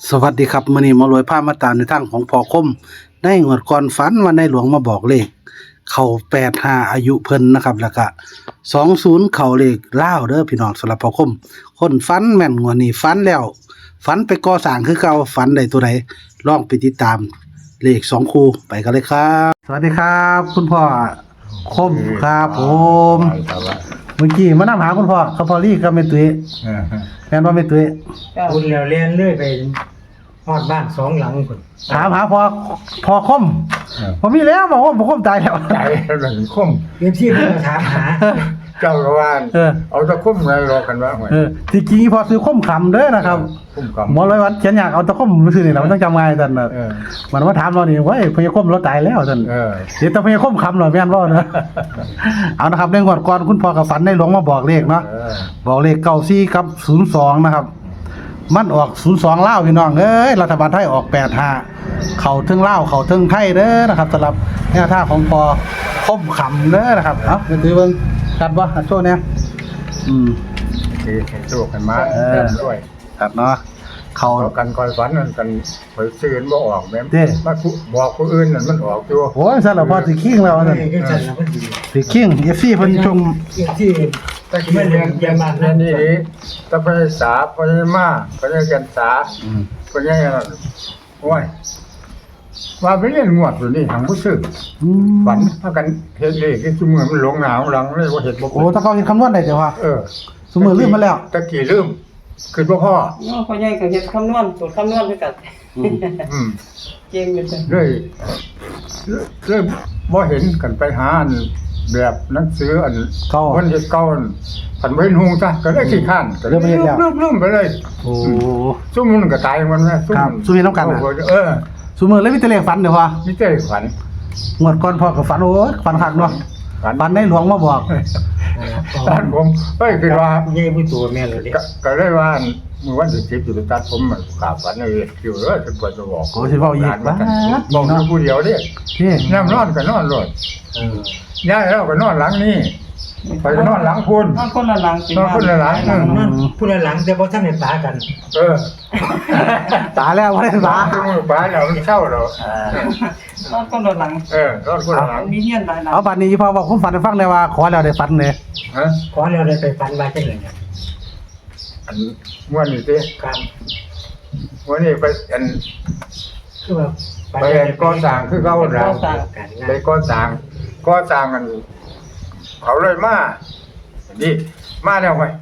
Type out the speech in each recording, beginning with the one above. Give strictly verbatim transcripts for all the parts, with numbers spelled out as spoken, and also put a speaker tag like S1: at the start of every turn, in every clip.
S1: สวัสดีครับมื้อนี้หมารวยพามาตามในทางของพ่อคมในงวดก่อนฝันว่าในหลวงมาบอกเลขเข้าแปดสิบห้าอายุเพิ่นนะครับแล้วก็สองสิบเข้าเลขลาวเด้อพี่น้องสำหรับพ่อคมคนฝันแม่นงวดนี้ฝันแล้วฝันไปก่อสร้างคือเก่าฝันได้ตัวใดลองไปติดตามเลขสองคู่ไปกันเลยครับสวัสดีครับ คุณพ่อคมครับผมเมื่อกี้มานำหาคุณพ่อเขาพอลี่กับแม่ตุ้ยแม่นบ่แม่ตุ้ย
S2: คุณแล้วเรียนเรื่อยไปฮอดบ้านสองหลังคุณ
S1: ถามหาพอพอคมผมมีแล้วบอกว่าผมคมตายแล้ว
S3: ตายแล้วหลังคม
S2: เรียนที่เพิ่นถามหา
S3: เจ้าก็ว่า
S1: เออ
S3: เอาตะคุ่มอะไรรอกันว่าหวย
S1: เออที่จริงพอซื้อคมขำเด้อนะครับ
S3: คุ่มก
S1: หมอร้อยวันเขียนอยากเอาตะคมมาซื้อนี่แหละมันต้องจำง่ายท่านน่ะ
S3: เออ
S1: มันมาถามเรานี่เว้ยพญาคมเราตายแล้วท่าน
S3: เออ
S1: เดี๋ยวต้องพญาคมขำหน่อยแม่นบ่นะ เอานะครับในงวดก่อนคุณพ่อกับฝันในหลวงมาบอกเลขเนาะ
S3: เออ
S1: บอกเลขเก้าสี่กับศูนย์สองนะครับ มันออกศูนย์สองลาวพี่น้องเอ้ยรัฐบาลไทยออกแปดห้าเข้าถึงลาวเข้าถึงไทยเด้อนะครับสำหรับแนวทางของพอคมขำเด้อนะครับเอ้าเดี๋ยวดูเบิ่งตัดบ่ตัดโชว์เนี่ยอืม
S3: คือให้โชคกันมา
S1: เออ
S3: เริ่มด้วย
S1: ตัดเนาะเข้า
S3: เอากันคอยฝันนั่นกันคอยซื้อบ่ออกแม่น
S1: เด้
S3: มาคุบอกผู้อื่นนั่นมันออกอยู่
S1: โอ้ยสั่นแล้วพอสิคิงแล้ว
S2: เอ
S1: นั่น
S2: อก็จัดแล้วก็ดี
S1: สิคิง เอฟ ซี เพิ่นชม
S2: เรียนที่ก็สิมาเรียนเรียนบ้าน
S3: นั่
S2: นั่
S3: น
S2: น
S3: นี่ดิตะไปสาไปมาไปกันสา
S1: อืม
S3: ไปยังนั่นโอ้ยว่าไปเรียนงวดอยู่นี่ทางผู้ซื้อ
S1: อืม
S3: ฝันพากันเฮ็ดเลขที่ซุมื้อมันหลงหนาวหลังเลยว่าเฮ็ดบ่
S1: โอ้ถ้าเขาเฮ็ดคำนวณได้จ้ะว่า
S3: เออ
S1: สมมุติลืมมาแล้ว
S3: ตะกี้ลืมคือบ่พ่อ
S4: เนาะพ่อใหญ่ก็เฮ็ดคำนวณสูตรคำนวณคือกัน
S1: อืม
S3: อืม
S4: เก่งอยู่จ้ะ
S3: เลยเลยบ่เห็นกันไปหาอันแบบหนังสืออัน
S1: เก่า
S3: วันเฮ็ดเก่าอันผันบ่เห็นฮูซะก็เลยขี้ข้านก็เลย
S1: เริ่มเฮ็ดแล้ว
S3: ลืมๆไปเลย
S1: โอ้
S3: ซุมมันก็ตายมันนะ
S1: ครับซุมเฮ็ดนำกันน่ะ
S3: เออ
S1: สมมุติเลยมีแต่เลขฝันเด้อว่า
S3: นี่เจ้ขวัญ
S1: งวดก่อนพ่อก็ฝันโอ้ยฝันคักเนาะ
S3: ฝัน
S1: ฝันในหลวงมาบอก
S3: ตอนผมเฮ้ยคือว่า
S2: ใหญ่ผู้ตัวแม่เลยเด้
S3: ก็ก็เลยว่ามื้อวันที่สิบอยู่ตัดผมมันขาฝันเลยคิวเออจะปวดจะบอก
S1: โอ้สิเว้าอีกบ้า
S3: บอกอยู่ผู้เดียวเด้
S1: นี่
S3: น้ำนอนก็นอนโลด
S2: เออ
S3: ย้ายแล้วก็นอนหลังนี้ไปนอนหลังคุณ
S4: นอนคนละหลังสิ
S3: นอนคนละหลัง
S2: นั่นนั่นผู้ละหลังแต่บ่ทันได้ปากัน
S3: เออ
S1: ตายแล้วบ่ได้
S3: บ้า
S1: บา
S3: ที่มือป้าเราเช่าเรา
S4: นอนคนละหลัง
S3: เออนอนคนละหลัง
S4: มีเฮียนหลายหลัง
S1: เอาบัดนี้พ่อบอกผมฝันให้ฟังได้ว่าขอแล้วได้ฝันเด้
S3: ฮะ
S2: ขอแล้วได้ไปฝันว่าจังได๋เนี่ย
S3: อันม้วนนี่สิ
S2: ครับ
S3: ม้วนนี่ไปอัน
S2: คือว่า
S3: ไปอันก่อสร้างคือเขาหลัง
S2: การงา
S3: ไป
S2: น
S3: ก่อสร้างก่อสร้างกันเขาเลยมานี่มาแล้วไว้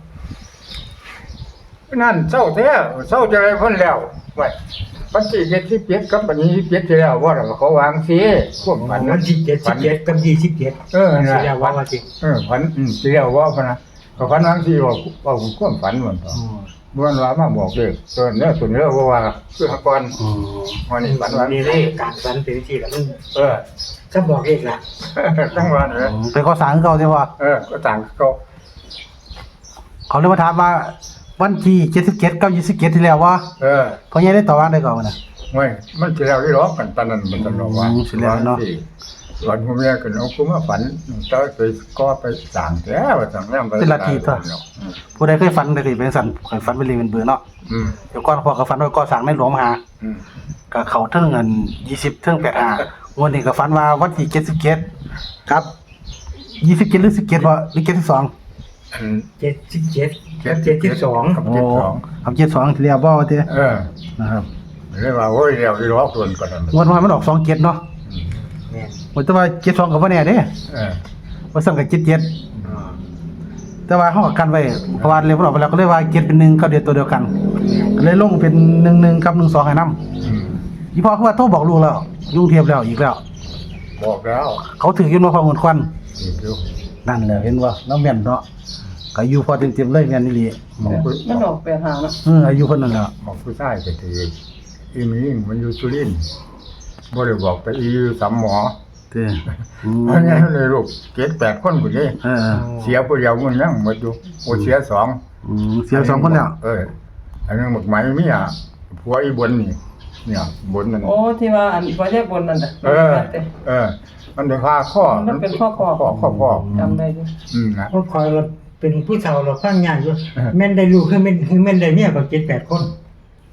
S3: นั่นเศร้าแท้เศร้าจะอะไรพ้นแล้วไว้ปัจจุบันที่เปียกกับปัจจุบันที่เปียกที่แล้วว่าเราเขาวางสิพวกมัน
S2: วันที่เจ็ดสิบเจ็ดกับยี่สิบเจ็ด
S3: เออ
S2: สิ
S3: นะ
S2: แล้วว่าว่าสิ
S3: เออฝันอืมที่แล้วว่าพะนะก็ฝันวางสิว่าว่าผมความฝันเหมือนกัน
S2: อ๋อ
S3: บ้านว่ามาบอกเลยส่วนเนื้อส่วนเนื้อว่าว่าคือหก่อน
S1: อืม
S3: วันนี้ฝันว่า
S2: นี่เลยการฝันเป็นวิธีละมัน
S3: เออ
S2: จะบอกเลขละ
S3: ทั้งวันเลย
S1: ไปก่อสร้างคือเก่าเด้ว่า
S3: เออก็ต่างก็
S1: เขาเลยมาถามว่าวันที่เจ็ดสิบเจ็ดกับยี่สิบเจ็ดที่แล้วว่า
S3: เออ
S1: พ่อใหญ่ได้ต่อว่าได้ก่อนน่ะ
S3: ไม่มันสิแล้วที่ร้องกันตอนนั้นมันตลอดว่า
S1: อืมสิแล้วเนาะ
S3: วันผมเนี่ยก็เอากูมาฝันเจ้าไปก็ไปสั่งแท้ว่าสั่งแล้ว
S1: เป็นลัทธิตัวผู้ใดเคยฝันได้เคยเป็นสันเคยฝันเป็นลีเป็นเบือเนาะ
S3: อืม
S1: เดี๋ยวก่อนพ่อก็ฝันว่าก่อสร้างในหลวงมาหา
S3: อืม
S1: ก็เข้าถึงเงินยี่สิบถึงแปดห้าวันนี้ก็ฝันว่าวันที่เจ็ดสิบเจ็ดครับยี่สิบเจ็ดหรือสิบเจ็ดบ่หรือเจ็ดสิบสอง
S3: อัน
S2: เจ็ดสิบเจ็ดกับเจ็ดสิบสอง
S3: กับ
S1: โอ้
S3: เจ็ดสอง
S1: คำเจ็ดสองที่เรียกบ่ว่าเด้
S3: เออ
S1: นะครับ
S3: เรียกว่าโอ้ยเดี๋ยวที่ร้องส่วนก่อนนั้น
S1: งวดวันมันออกสองเจ็ดเนาะ
S2: แม่น
S1: ว่าแต่ว่าเจ็ดสองก็บ่แน่เด้
S3: เออ
S1: ว่าสั่งกับเจ็ดเจ็ด
S2: อ๋อ
S1: แต่ว่าเฮาก็กันไว้เพราะว่าเลยมันออกไปแล้วก็เลยว่าเจ็ดเป็นหนึ่งก็เดียวตัวเดียวกันก็เลยลงเป็นหนึ่งหนึ่งกับหนึ่งสองให้นำ
S3: อืม
S1: อีพ่อคือว่าโทรบอกลูกแล้วยุ่งเทียบแล้วอีกแล้ว
S3: บอกแล้ว
S1: เขาถืออยู่มาพอเงินควัน
S3: อีกอยู่
S1: นั่นแหละเห็นว่าน้องแม่นเนาะก็อยู่พอเต็มๆเลยแม่นอีหลี
S3: หมองผู้
S4: มันออกแปดหาเนาะ
S1: เอออายุเพิ่นนั่นแหละ
S3: หมองผู้ชายก็ถืออีมีงมันอยู่สุรินทร์บ่ได้บอกไปอีอยู่สามหมอ
S1: เด้ออืม
S3: เพราะงั้นเลยลูกเจ็ดแปดคนพุ่นนี่
S1: เออ
S3: เสียผู้เดียวมันยังหมดอยู่โอ้เสียสอง
S1: อืมเสียสองคนแล้ว
S3: เอออันนั้นหมกไหมมีอ่ะผัวอีบนนี่เนี่ยบนนั่น
S4: โอ้ที่ว่าอันพ่อใหญ่บนนั่นน่ะ
S3: เออ เออ มันเป็นผ้าข้อ
S4: มันเป็นข้อคอ
S3: ข้อข้อข้อ
S4: จำได้อยู่
S3: อืมนะ
S2: เพราะคอยเราเป็นผู้เฒ่าเราฟังงานอยู่
S3: เออ
S2: แม่นได้ลูกคือแม่นคือแม่นได้เมียก็เจ็ดแปดคน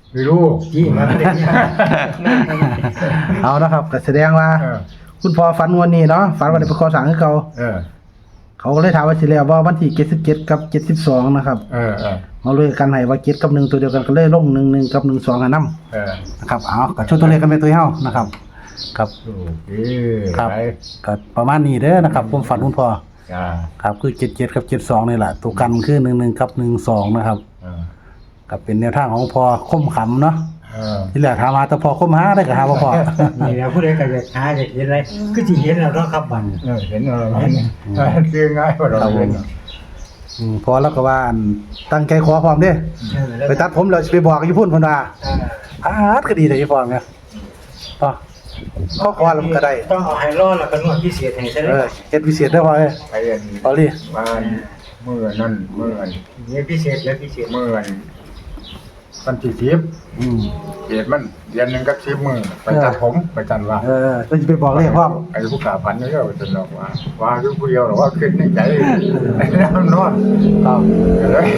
S3: ไม่รู้
S2: ที่มาเล่นเนี่ย
S1: เอานะครับก็แสดงว่า
S3: เออ
S1: คุณพ่อฝันวันนี้เนาะฝันว่าได้ไปขอสั่งให้เขา
S3: เออ
S1: เขาก็เลยถามว่าสิแล้วว่าวันที่เจ็ดสิบเจ็ดกับเจ็ดสิบสองนะครับ
S3: เออเออ
S1: เอาเลยกันให้ว่าเจ็ดกับหนึ่งตัวเดียวกันก็เลยลงหนึ่งหนึ่งกับหนึ่งสองให้นำ
S3: เออ
S1: นะครับเอาก็ช่วยตัวเลขกันเป็นตัวเฮานะครับครับ
S3: โอเค
S1: ครับ
S3: ไป
S1: ก็ประมาณนี้เด้อนะครับผมฝันคุณพ่อ
S3: จ้า
S1: ครับคือเจ็ดเจ็ดกับเจ็ดสองนี่แหละตัวกันคือหนึ่งหนึ่งกับหนึ่งสองนะครับ
S3: เออ
S1: กับเป็นแนวทางของพ่อคมขำเนาะ
S3: เออ
S1: ที่แรกถามหาแต่พ่อคมหาได้ก็หาบ่พ่อ
S2: นี่แหละผู้ใดก็อยากหาอยากเห็นอะไรก็สิเห็นแล้วเนาะครับบัดนี้
S3: เออเห็นอะไรเห็นเออซื้อง่ายกว่าเราเห็น
S1: อืมพอแล้วก็ว่าอันตั้งใจขอพร้อมเด้
S2: เออแล้ว
S1: ไปตัดผมแล้วสิไปบอกอยู่พุ่นพุ่นว่า
S2: เออ
S1: อาดก็ดีแต่อยู่พร้อมเนี่ยอ๋อเขาขอแล้วมันก็ได้
S2: ต้องเอาให้รอดแล้วก็นวดพิเศษให้ซะ
S1: เอ
S2: เด้
S1: อเฮ็ดพิเศษได้บ่เอ้ย
S3: ไปอัน
S1: เอาดิ
S3: บ้านเมื่อนั่นเมื่ออัน
S2: นี่พิเศษแล้วพิเศษ
S3: เมื่ออันวันที่สิบ
S1: อืม
S3: เดือนมันเดือนหนึงก็สิบมื้อไปตัดผมไปจันว่า
S1: เออแล้วสิไปบอกเลขพร้อม
S3: ไอ้ผู้กาพันนี่ก็จะบอกว่าว่าคือผู้เดียวหรอว่าขึ้นในใจไอ้แล้วนอน
S1: ครับ
S3: เลย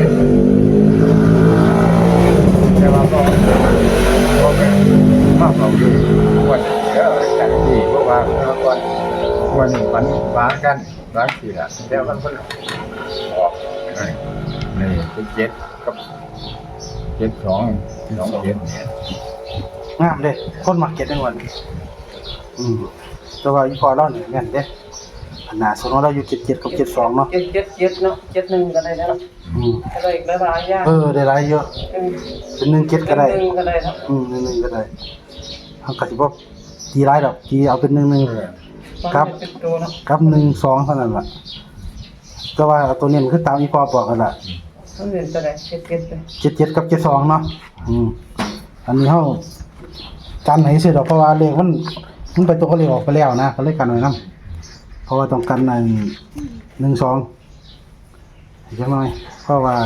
S3: แต่ว่าก็ก็เป็นมากเราอยู่วันเดียวจากที่เพราะว่าเมื่อก่อนวันฝันฟ้ากันฟ้าสี่ละแล้วมันก็ออกในเจ็ดกับเจ็ดสองสองเจ็ดเนี่ย
S1: งามเด้คนมักเก็ตในวันอืมแต่ว่าอีพอเรานี่แม่นเด้ขนาดสนเราอยู่เจ็ดเจ็ดกับเจ็ดสองเนาะ
S4: เจ็ดเจ็ดเจ็ดเนาะเจ็ดหนึ่งก็ได้แล้ว
S1: อืม
S4: ก็ได้อีกหลายๆอย่าง
S1: เออได้หลายเยอะ
S4: เป็น
S1: เป็นหนึ่งเจ็ดก็ได้
S4: หนึ่งก็ได้เนาะ
S1: อืมหนึ่งหนึ่งก็ได้ทางกสิบ่ตีหลายดอกตีเอาเป็นหนึ่งหนึ่ง ครับ
S4: เป็นตัวเนาะ
S1: กับหนึ่งสองเท่านั้นล่ะแต่ว่าเอาตัวนี้มันคือตามอีพอบอกกันล่ะ
S4: มันเป็นตัวใดเจ็ดเจ็ดเลย
S1: เจ็ดเจ็ดกับเจ็ดสองเนาะอืมอันนี้เฮากันให้ซื้อดอกเพราะว่าเลขมันมันไปตัวก็เลขออกไปแล้วนะก็เลยกันไว้นํเพราะว่าต้องกันในหนึ่งสองจังหน่อยเพราะว่า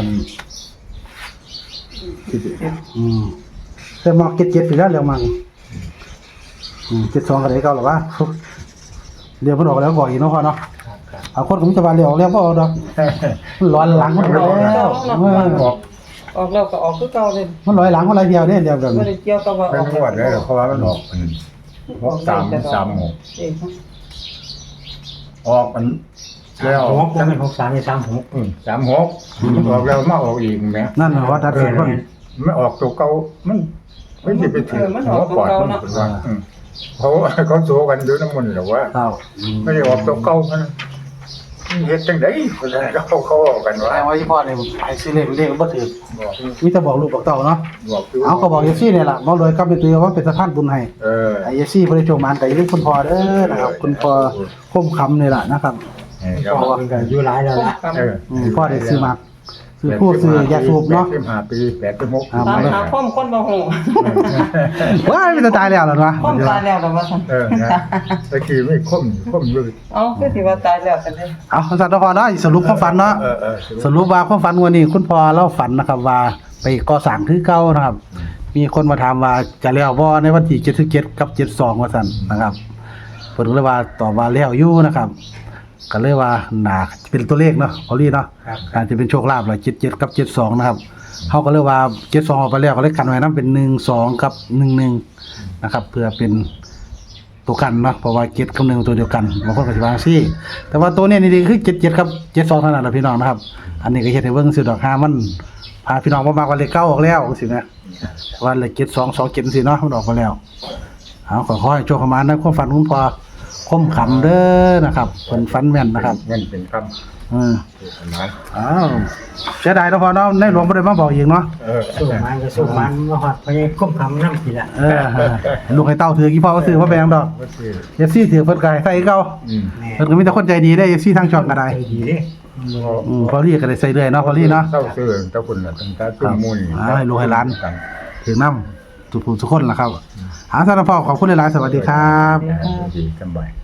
S1: อืมแต่มาเจ็ดเจ็ดไปแล้วแล้วมันอืมเจ็ดสองก็ได้เก่าหรอวะเรียกมันออกแล้วบ่อยเนาะพ่อเนาะเอาคนก็มีแต่ว่าเรียกออกแล้วบ่เอาดอกมันร้อนหลังมันแล้วเออ
S3: ออก
S4: ออกแล้วก็ออกคือเก่าเลย
S1: มันร้อยหลังคนละเดียวเด้เดียวแบบ
S4: ไม่
S1: นี้
S4: ได้เกี่ยวกับว่าอ
S3: เป็
S4: อน ก
S3: งวดเลยเพราะว่ามันออกเป็นหกสามสามหก
S4: เอ๊ะ
S3: ออกมันแล้ว
S2: หกเป็นหกสามเป็นสามหก
S3: อืมสามหกมันออกแล้วมาออกอีกไหม
S1: นั่นน่ะว่าตัดสินคน
S3: ไม่ออกตัวเก่ามันไม่จะไปถึงหัวปอดมันเป็นว่าอืมเขาเขาโซกันอยู่น้ำมันหรือว่า
S1: ครับอืม
S3: ไม่ได้ออกตัวเก่ามันเฮ็ดจังได๋คนนั้นเขาเขาออกกันว่า
S1: แต่ว่าอีพ่อเนี่ยไอ้ซื้อเลขเลขมันบ่ถูก
S3: บอก
S1: มีแต่บอกลูกบอกเต้าเนาะ
S3: บอกยู่
S1: เอาก็บอกเอฟซีเนี่ยล่ะบ่รวยกลับไปตัวว่าเป็นสะพานบุญให้
S3: เออ
S1: ไอ้เอฟซีบ่ได้โชคมานก็อย่าลืมคุณพ่อเด้อนะครับคุณพ่อคมคำนี่ล่ะนะครับ
S3: เออเดี๋ยว
S2: พ่อเป็นก็อยู่หลายแล้วล่ะ
S3: เออ
S1: อืมพ่อได้ซื้อมาซื้อผู้ซื้อยาสูบเนาะ
S3: แปดสิบห้าปีแปดสิบหก
S1: อ่า
S4: ตามหาข้อมคนบ่ฮู้
S1: ว้ายมันจะตายแล้วเหรอวะ
S4: ข้อมตายแล้วแต่ว่าซั่น
S3: เออนะตะกี้ไม่คมคมอยู่
S4: เอ้าคือสิว่าตายแล้วซั่นเด้
S1: เอาสัตว์พ่อเนาะสรุปความฝันเนาะ
S3: เออเออ
S1: สรุปว่าความฝันวันนี้คุณพ่อเล่าฝันนะครับว่าไปก่อสร้างคือเก่านะครับ มีคนมาถามว่าจะแล้วบ่ในวันที่เจ็ดสิบเจ็ดกับเจ็ดสิบสองว่าซั่นนะครับเพิ่นก็เลยว่าตอบว่าแล้วอยู่นะครับก็เลยว่าน่าเป็นตัวเลขเนาะพอลี่เนาะ
S2: ครับ
S1: อาจจะเป็นโชคลาภล่ะเจ็ดสิบเจ็ดกับเจ็ดสิบสองนะครับเฮาก็เลยว่าเจ็ดสิบสองออกไปแล้วก็เลยกันไว้นำเป็นหนึ่งสองกับหนึ่งหนึ่งนะครับ เพื่อเป็นตัวกันเนาะเพราะว่าเจ็ดกับหนึ่งตัวเดียวกันบางคนก็สิว่าจังซี่แต่ว่าตัวเนี้นี่คือเจ็ดสิบเจ็ดกับเจ็ดสิบสองเท่านั้นล่ะพี่น้องนะครับ อันนี้ก็เฮ็ดให้เบิ่งซื่อดอกหามันพาพี่น้องบ่มากว่าเลขเก้าออกแล้วจังซี่นะว่าเลขเจ็ดสอง สองเจ็ดจังซี่เนาะมันออกมาแล้วเอาขอขอให้โชคเข้ามานะความฝันคุณพ่อคมขำเด้อนะครับเพิ่นฝันแม่นนะครับ
S3: เงินเป็นค
S1: อืม
S3: ำเป็นล้าน
S1: อ้าวเสียดายเนาะพ่อเนาะในหลวงบ่ได้มาบอกอีกเนาะ
S3: เออ
S2: สู้มันก็สู้มันมาฮอดพญาคุ้มคำน้ำกินละ
S1: เออลูกให้เต้าถือกี่พ่อก็ซื้อบ่แพงดอก
S3: ก็คือ
S1: เอฟซีถือเพิ่นก็ให้ใส่เก่า
S3: อืม
S2: แม่
S1: เพิ่นก็มีแต่คนใจดีได้ เอฟ ซี ทางช่องก็ได้
S2: ใจดีเด้
S1: อืมพอลี่ก็ได้ใส่เรื่อยเนาะพอลี่เนาะ
S3: เศร้าซื้อเจ้าคุณน่ะตั้งแต่ตุ้มมูล
S1: อ่าให้ลูกให้หลาน ถึงนำทุกผู้ทุกคนล่ะครับหาสารพ่อขอบคุณหลายๆสวัสดีครับ
S3: ดีสบาย